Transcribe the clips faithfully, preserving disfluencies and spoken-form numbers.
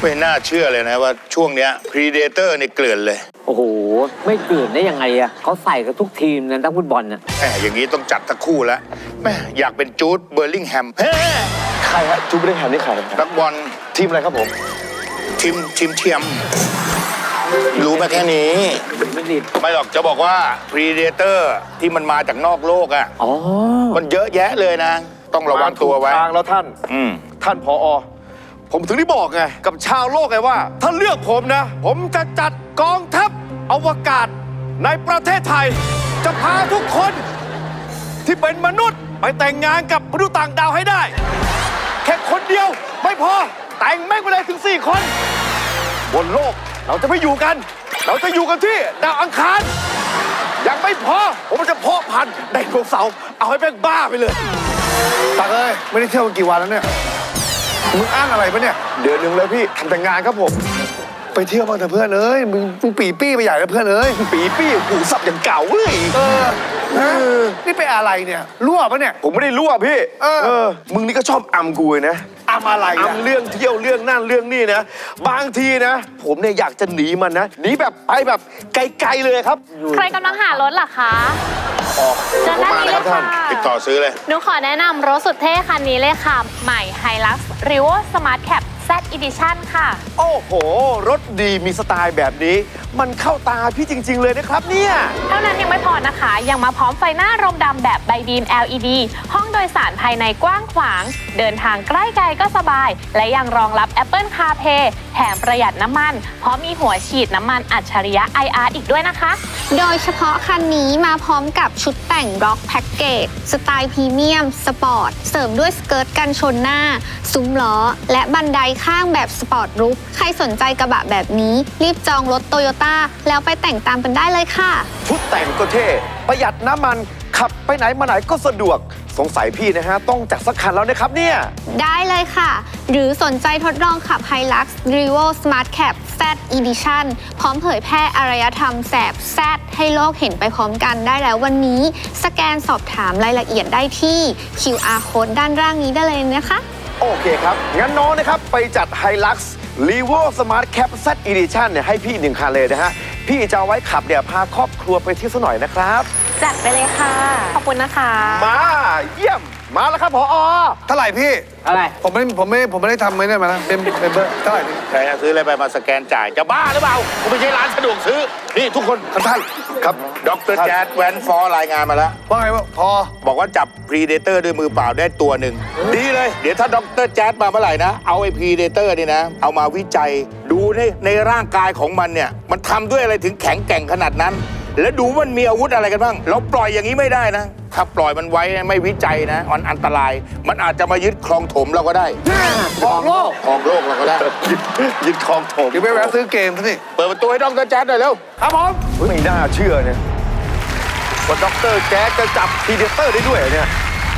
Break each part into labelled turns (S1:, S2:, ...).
S1: ไม่น่าเชื่อเลยนะว่าช่วงเนี้ย Predator นี่เกลื่อนเลย
S2: โอ้โหไม่เกลื่อนได้ยังไงอะเขาใส่กับทุกทีมนะนักฟุตบอลน่ะ
S1: แหมอย่างนี้ต้องจัดสักคู่แล้วแม่อยากเป็นจูดเบอร์ลิงแฮม
S3: ใครฮะจูดเบอร์ลิงแฮมนี่ใคร
S1: นักบอล
S3: ทีมอะไรครับผม
S1: ทีมทีมเทียมรู้มาแค่นี้
S2: ไม่ดิ
S1: ไม่หรอกจะบอกว่า Predator ที่มันมาจากนอกโลกอ่ะอ๋อมันเยอะแยะเลยนะต้องระวังตัวไว้
S3: ทางแล้วท่าน
S1: อืม
S3: ท่านผอ.ผมถึงได้บอกไงกับชาวโลกไงว่าถ้าเลือกผมนะผมจะจัดกองทัพอวกาศในประเทศไทยจะพาทุกคนที่เป็นมนุษย์ไปแต่งงานกับมนุษย์ต่างดาวให้ได้แค่คนเดียวไม่พอแต่งแม่งไปเลยถึงสี่คนบนโลกเราจะไม่อยู่กันเราจะอยู่กันที่ดาวอังคารยังไม่พอผมจะเพาะพันธุ์ไดโนเสาร์เอาให้แม่งบ้าไปเลยตักเอ้ยไม่ได้เที่ยวกันกี่วันแล้วเนี่ยมึงอ้างอะไรปะเนี่ยเดือนหนึ่งเลยพี่ทำแต่งงานครับผมไปเที่ยวบ้างเถอะเพื่อนเอ้ยมึงมึงปีปี้ไปใหญ่แล้วเพื่อนเอ้ยปีปี้หูสับอย่างเก่าเลยเออนี่เป็นอะไรเนี่ยรั่วปะเนี่ยผมไม่ได้รั่วพี่เออมึงนี่ก็ชอบอำกูนะอำอะไรอำเรื่องเที่ยวเรื่องนั่นเรื่องนี่นะบางทีนะผมเนี่ยอยากจะหนีมันนะหนีแบบไปแบบไกลๆเลยครับ
S4: ใครกำลังหารถล่ะคะ
S1: เจอหน้านี้เลยค่ะติดต่อซื้อเลย
S4: หนูขอแนะนำรถสุดเท่คันนี้เลยค่ะใหม่ Hilux Revo Smart Cab Z Edition ค่ะ
S3: โอ้โหรถดีมีสไตล์แบบนี้มันเข้าตาพี่จริงๆเลยนะครับเนี่ย
S4: เท่านั้นยังไม่พอนะคะยังมาพร้อมไฟหน้ารมดำแบบใบบีม แอล อี ดี ห้องโดยสารภายในกว้างขวางเดินทางใกล้ไกลก็สบายและยังรองรับ Apple CarPlay แถมประหยัดน้ำมันเพราะมีหัวฉีดน้ำมันอัจฉริยะ ไอ อาร์ อีกด้วยนะคะ
S5: โดยเฉพาะคันนี้มาพร้อมกับชุดแต่งร็อกแพ็กเกจสไตล์พรีเมียมสปอร์ตเสริมด้วยสเกิร์ตกันชนหน้าซุ้มล้อและบันไดข้างแบบสปอร์ตรูฟใครสนใจกระบะแบบนี้รีบจองรถโตโยต้าแล้วไปแต่งตามกันได้เลยค่ะ
S3: ชุดแต่งก็เท่ประหยัดน้ำมันขับไปไหนมาไหนก็สะดวกสงสัยพี่นะฮะต้องจัดสักคันแล้วนะครับเนี่ย
S5: ได้เลยค่ะหรือสนใจทดลองขับ Hilux Revo Smart Cab Z Edition พร้อมเผยแพร่อารยธรรมแสบแซดให้โลกเห็นไปพร้อมกันได้แล้ววันนี้สแกนสอบถามรายละเอียดได้ที่ คิว อาร์ Code ด้านล่างนี้ได้เลยนะคะ
S3: โอเคครับงั้นน้องนะครับไปจัด Hilux Revo Smart Cab Z Edition เนี่ยให้พี่หนึ่งคันเลยนะฮะพี่จะเอาไว้ขับเนี่ยพาครอบครัวไปเที่ยวสักหน่อยนะครับ
S4: จัดไปเลยค่ะขอบคุณนะคะ
S3: มาเยี่ยมมาแล้วครับผอ.เท่าไหร่พี่
S2: อะไร
S3: ผมไม่ผมไม่ผมไม่ได้ทำไม่ได้มานะเป็นเป็นเบอร์เท่าไหร่พี่
S1: ใครซื้ออะไรไปมาสแกนจ่ายจะบ้าหรือเปล่ากูไม่ใช่ร้านสะดวกซื้อนี่ทุกคน
S3: ท่านครับ
S1: ดร.แจ๊ดแวนฟอร์รายงานมาแล้ว
S3: ว่าไงวะพอ
S1: บอกว่าจับ Predator ด้วยมือเปล่าได้ตัวหนึ่งดีเลยเดี๋ยวถ้าดร.แจ๊ดมาเมื่อไหร่นะเอาไอ้ Predator นี่นะเอามาวิจัยดูในในร่างกายของมันเนี่ยมันทำด้วยอะไรถึงแข็งแกร่งขนาดนั้นแล้วดูมันมีอาวุธอะไรกันบ้างเราปล่อยอย่างนี้ไม่ได้นะถ้าปล่อยมันไว้ไม่วิจัยนะมันอันตรายมันอาจจะมายึดครองถมเราก็ได้
S3: ครองโลก
S1: ครองโลกเราก็ได้
S3: ยึดครองถม
S1: เดี๋ยวไปแวะซื้อเกมซะสิเปิดประตูให้ดร.แจ๊ดหน่อยเร็ว
S3: ครับผมไม่น่าเชื่อเนี่ยว่าดร.แจ๊ดจะจับพีเดเตอร์ได้ด้วยเนี่ย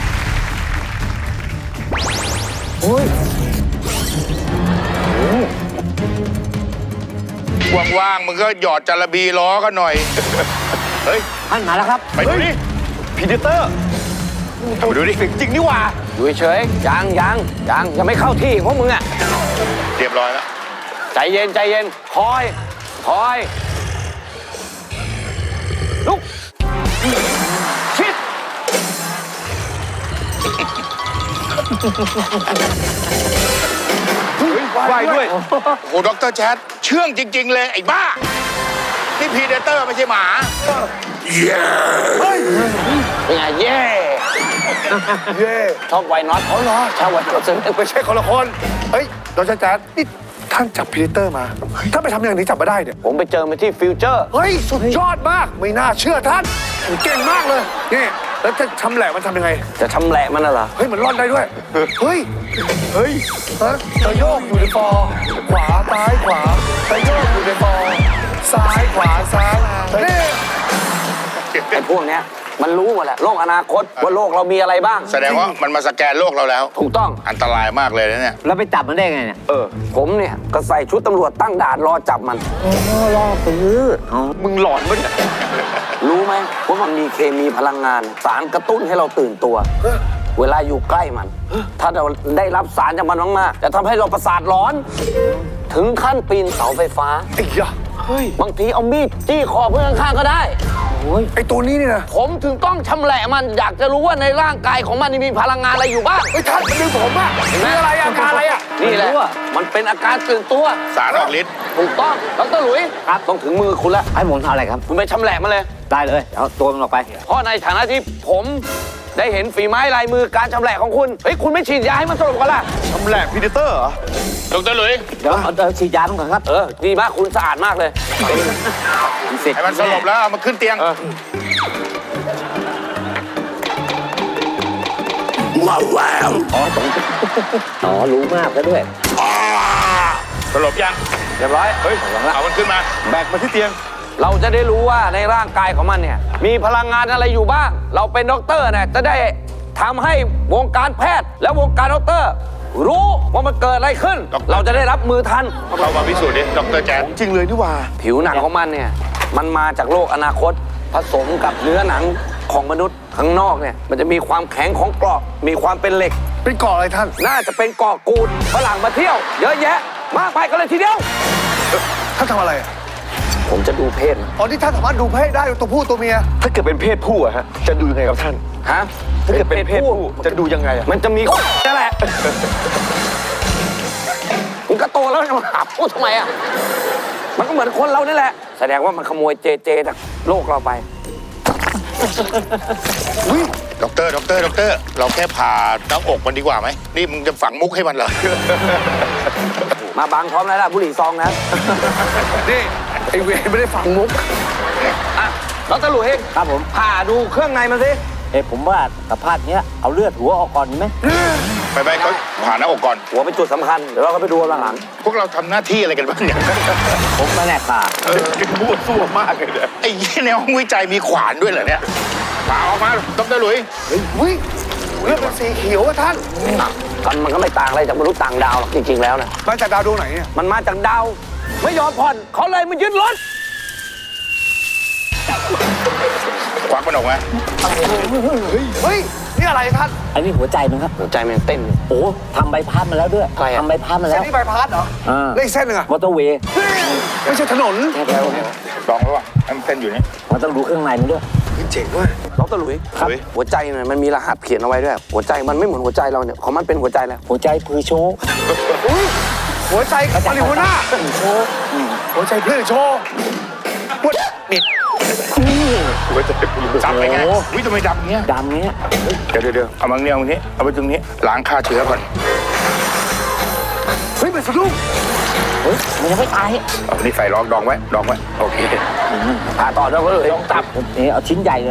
S3: โอ้ย
S1: ว่างๆมึงก็หยอดจาระบีล้อกันหน่อยเฮ้ย
S2: ท่านมาแล้วครับ
S1: ไปดูดิ
S3: พีเดเตอร์ไปดูดิจริงนี่หว่า
S2: อยู่เฉยยังยังยังยังไม่เข้าที่ของมึงอ่ะ
S1: เรียบร้อยแล้ว
S2: ใจเย็นใจเย็นคอยคอยลุกชิด
S1: ไหวด้วยโอ้โหดร.แจ๊ดเชื่องจริงๆเลยไอ้บ้านี่พีเดเตอร์ไม่ใช่หมาเย้
S2: เฮ้ยเป็นไงเย่
S3: เย่
S2: ชอบไวน็อต
S3: เขาเหรอ
S2: ชอบไวน็อต
S3: ไม่ใช่คนละคนเฮ้ยดร.แจ๊ดนี่ท่านจับพีเดเตอร์มาถ้าไปทำอย่างนี้จับมาได้เนี่ย
S2: ผมไปเจอมาที่ฟิวเจอร์
S3: เฮ้ยสุดยอดมากไม่น่าเชื่อท่านเก่งมากเลยนี่แล้วจะชำแหละมันทำยังไง
S2: จะชำแหละมันน่ะเหรอ
S3: เฮ้ยมันร่อนได้ด้วยเฮ้ยเฮ้ยฮะจะโยกอยู่ในฟอร์ขวาซ้ายขวาจะโยกอยู่ในฟอร์ซ้ายขวาซ้ายนี่
S2: ไอ้พวกเนี้ยมันรู้หมดแหละโลกอนาคตว่าโลกเรามีอะไรบ้าง
S1: แสดงว่ามันมาสแกนโลกเราแล้ว
S2: ถูกต้อง
S1: อันตรายมากเลยนะเนี่ย
S2: แล้วไปจับมันได้ไงเนี่ยเออผมเนี่ยก็ใส่ชุดตำรวจตั้งด่านรอจับมันโอ้รอซื้อ
S3: มึงหลอนมั้ย
S2: รู้ไหมว่ามันมีเคมีพลังงานสารกระตุ้นให้เราตื่นตัวเวลาอยู่ใกล้มัน ถ้าเราได้รับสารจากมันมากๆจะทำให้เราประสาทร้อน ถึงขั้นปีนเสาไฟฟ้า
S3: ไอ้ยะเฮ้ย
S2: บางทีเอามีดจี้คอเพื่อนข้างๆก็ได้
S3: ไอ้ตัวนี้นี่นะ
S2: ผมถึงต้องชำแหละมันอยากจะรู้ว่าในร่างกายของมันนี่มีพลังงานอะไรอยู่บ้าง
S3: ไอ้ยท่านมันดึงผมอะมีอะไรอาการอะไรอะ
S2: นี่แหละมันเป็นอาการตื่นตัว
S1: สารออกฤทธิ์
S2: ถูกต้องดรหลุยครับต้องถึงมือคุณแล้ว
S6: ให้ผมทำอะไรครับ
S2: คุณไปชำแหละมันเลย
S6: ได้เลยเอาตัวมันออกไป
S2: เพราะในฐานะที่ผมได้เห็นฝีไม้ลายมือการชำแหละของคุณเฮ้ยคุณไม่ฉีดยาให้มันสลบกันล่ะ
S3: ทำแหลกพีเดเตอร์เหรอ
S1: ดรหลุย
S6: เดี๋ยวเอาเอาฉีดยามันก่อนครับ
S2: เออดีมากคุณสะอาดมากเลย
S6: เสร็จ
S1: ให้มันสลบแล้วเอามาขึ้นเตียง
S6: อ๋อรู้มากแล้วด้วย
S1: สลบยัง
S2: เรียบร้อย
S1: เฮ้ย เอามันขึ้นมา
S3: แบกมาที่เตียง
S2: เราจะได้รู้ว่าในร่างกายของมันเนี่ยมีพลังงานอะไรอยู่บ้าง เราเป็นด็อกเตอร์เนี่ยจะได้ทำให้วงการแพทย์ และวงการด็อกเตอร์ รู้ว่ามันเกิดอะไรขึ้น
S1: ด็อกเตอร์
S2: เราจะได้รับมือทัน
S1: เรามาพิสูจน์ดิดรแจ๊ด
S3: จริงเลยนี่หว่า
S2: ผิวหนังของมันเนี่ยมันมาจากโลกอนาคต ผสมกับเนื้อหนังของมนุษย์ข้างนอกเนี่ยมันจะมีความแข็งของเกราะมีความเป็นเหล็ก
S3: เป็นเกาะอะไรท่าน
S2: น่าจะเป็นเกาะกูดฝรั่งมาเที่ยว เยอะแยะ มากไปกันเลยทีเดียว
S3: ท่านทำอะไรอะ
S2: ผมจะดูเพศมัน
S3: อ๋อนี่ท่านสามารถดูเพศได้ตัวผู้ตัวเมีย ถ้าเกิดเป็นเพศผู้อะฮะ จะดูยังไงครับท่าน
S2: ฮะ
S3: ถ้าเกิดเป็นเพศผู้จะดูยังไงอะ
S2: มันจะมีนั่นแหละมันก็โตแล้วจะมาหาพูดทำไมอ่ะมันก็เหมือนคนเรานี่แหละ แสดงว่ามันขโมยเจเจจากโลกเราไป
S1: อุ้ยดรดรดรเราแค่ผ่าหน้าอกมันดีกว่าไหม นี่มึงจะฝังมุกให้มันเหรอ
S2: มาบังพร้อมแล้วล่ะบุหรี่ซองนะ
S3: นี่ไอเวรไม่ได้ฟังมุก
S2: อ่ะดรหลุย
S6: ครับผม
S2: ผ่าดูเครื่องในมันสิ
S6: เอ้ผมว่าสภาพเนี้ยเอาเลือดหัวออกก่อนดีไหม
S1: ไปไปเขาผ่าหน้าอกก่อน
S2: หัวเป็นจุดสำคัญ เดี๋ยวเราก็ไปดูหลัง
S1: พวกเราทำหน้าที่อะไรกันบ้างเนี่ย
S6: ผมมาแน่ค่ะ
S1: เออพูดสู้มากเลยเนี่ยไอ้ยี่ในห้องวิจัยมีขวานด้วยเหรอเนี่ยผ่าออกมาดรหลุย
S3: อุ้ยเลือดเป็นสีเขียวอะท่าน
S2: ๆกันมันก็ไม่ต่างอะไรจากมนุษย์ต่างดาวหรอกจริงๆแล้วนะ
S3: มาจากดาวดวงไหนเนี่ย
S2: มันมาจากดาว ไม่ยอมผ่อนเขาเลยมายึดรถ
S1: ควักมันออกมา
S3: เฮ้ย นี่อะไรท่าน
S6: อันนี้หัวใจมันครับ
S2: หัวใจมันเต้นอยู่
S6: โอ้ทำใบพัดมาแล้วด้วย
S2: ใครอะ
S6: ทำใบพัดมา
S3: เส้
S6: แล้
S3: น
S6: ว
S3: นี้ใบพัดเหรอ
S6: อ่า
S3: แล้วอีกเส้นหนึ่งอะ
S6: มอเตอร์เวย์
S3: ไม่ใช่ถนน
S1: ลองแล้วว่ะอันเส้นอยู่นี่
S6: มันต้องดูเครื่องในมันด้วย
S3: เจ๋งว่ะ
S2: ดรหลุย
S1: ครับ
S2: หัวใจเนี่ยมันมีรหัสเขียนเอาไว้ด้วย หัวใจมันไม่เหมือนหัวใจเราเนี่ยของมันเป็นหัวใจแล้ว
S6: หัวใจพือโชว์
S3: อุ้ยหัวใจมาริโฮน่าโชว์หัวใจเพื่อนโชว์ปุ๊ดนี่
S1: จับไปไงวิทำไมดำเงี้ย
S6: ดำเนี้ย
S1: เดี๋ยวเดี๋ยวเดี๋ยวเอามาเงี้ยเอามานี้เอาไปตรงนี้ล้างฆ่าเชื้อก่อน
S3: เฮ้ยมันสะดุ้ง
S6: เฮ้ยมันยังไม่ตาย
S1: เอานี่ใส่รองดองไว้ดองไว้โอเค
S2: ผ่าต่อดรหลุย
S6: ต้องตับนี่เอาชิ้นใหญ่เลย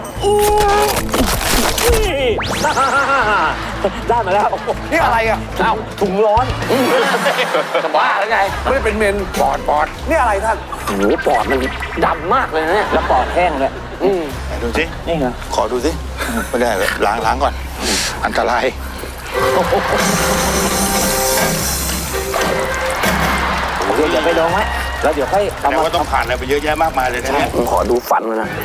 S6: ได้มาแล้ว
S3: นี่อะไรอะ
S2: เอ้า
S6: ถุงร้อน
S2: จะบ้าแล้วไง
S3: ไม่ได้เป็นเมน
S1: ปอดปอด
S3: นี่อะไรท่าน
S2: โอ้โหปอดมันดำมากเลยนะเนี่ย
S6: แล้วปอดแห้งเลย
S2: อืม
S1: ไหนดูสิ
S6: นี่เหรอ
S1: ขอดูสิไม่ได้เลยล้างล้างก่อน อันตราย
S6: โอเคเดี๋ยวไปลองไว้แล้วเดี๋ยวค่อยเอา
S1: แต่
S6: มา
S1: ว่าต้องผ่านอะไรไปเยอะแยะมากมายเลยนะเนี่ย
S2: ผมขอดูฟันมันนะ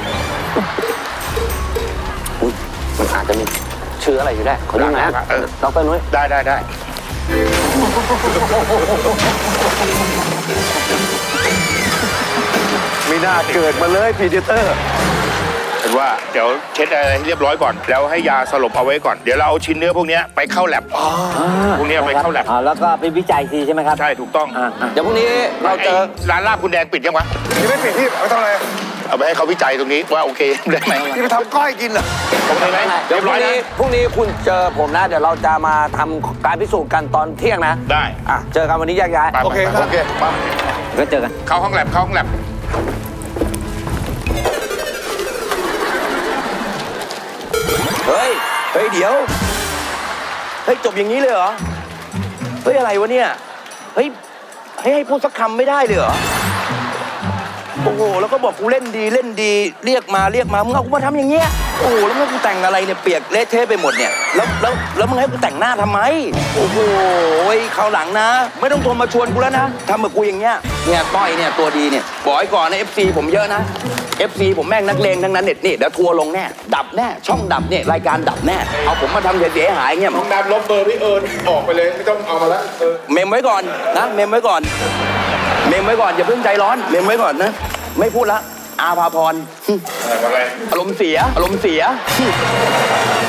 S2: อุ้ยมันอาจจะมีเชื้ออะไรอยู่ได้ ขอดูหน่อยนะ
S1: เออ
S2: ดรนุ้ย
S1: ได้ได้ได้
S3: ไม่น่าเกิดมาเลยพีเดเตอร์
S1: เห็นว่าเดี๋ยวเช็ดอะไรให้เรียบร้อยก่อน แล้วให้ยาสลบเอาไว้ก่อน เดี๋ยวเราเอาชิ้นเนื้อพวกเนี้ยไปเข้าแลบพวกเนี้ยไปเข้าแลบ
S6: อ่าแล้วก็ไปวิจัยทีใช่ไหมครับ
S1: ใช่ถูกต้อง
S6: อ่าอ่า
S2: เดี๋ยวพรุ่งนี้เราเจอ
S1: ไอ้ร้านลาบคุณแดงปิดยังวะ
S3: นี่ไม่ปิดที่เอาไปทำอะไร
S1: เอาไปให้เขาวิจัยตรงนี้ว่าโอเคได้ไหม
S3: นี่ไปทำก้อยกินเหรอ
S1: โอเคไหม
S2: เดี๋
S1: เรี
S2: ย
S1: ยว บ
S2: พ
S1: ร้
S2: รุ่
S1: อย
S2: ง
S1: นะ
S2: นี้พรุ่งนี้คุณเจอผมนะ เดี๋ยวเราจะมาทำการพิสูจน์กันตอนเที่ยงนะ
S1: ได้
S2: อ่ะ เจอกันวันนี้แยกย้าย
S1: ไป
S3: โอเค
S1: ไป
S3: ครับ
S1: โอเคมา
S6: ก็เจอกัน
S1: เข้าห้องแลบเข้าห้องแลบ
S7: เฮ้ย เฮ้ย เดี๋ยว เฮ้ย จบอย่างนี้เลยเหรอ เฮ้ย อะไรวะเนี่ย เฮ้ย ให้ให้พูดสักคำไม่ได้เลยเหรอ โอ้โห แล้วก็บอกกูเล่นดีเล่นดี เรียกมาเรียกมา มึงเอากูมาทำอย่างเงี้ย โอ้โห แล้วมึงให้กูแต่งอะไรเนี่ย เปียกเละเทะไปหมดเนี่ย แล้วแล้วแล้วมึงให้กูแต่งหน้าทำไม โอ้โหคราวหลังนะ ไม่ต้องโทรมาชวนกูแล้วนะทำกับกูอย่างเงี้ยเนี่ยก้อยเนี่ยตัวดีเนี่ยบอกไว้ก่อนนะ เอฟ ซี ผมเยอะนะ เอฟ ซี ผมแม่งนักเลงทั้งนั้นเน็ตนี่เดี๋ยวทัวร์ลงแน่ดับแน่ช่องดับเนี่ยรายการดับแน่เอาผมมาทำเสียหายเงี้ย
S1: น้องดำลบเบอร์พี่เอิญออกไปเลยไม่ต้องเอามาแล้วเออ
S7: เมมไว้ก่อนนะเมมไว้ก่อน เมมไว้ก่อนอย่าเพิ่งใจร้อนเมมไว้ก่อนนะ ไม่พูดละอาภาพร
S1: อะไร
S7: อารมณ์เสียอารมณ์เสีย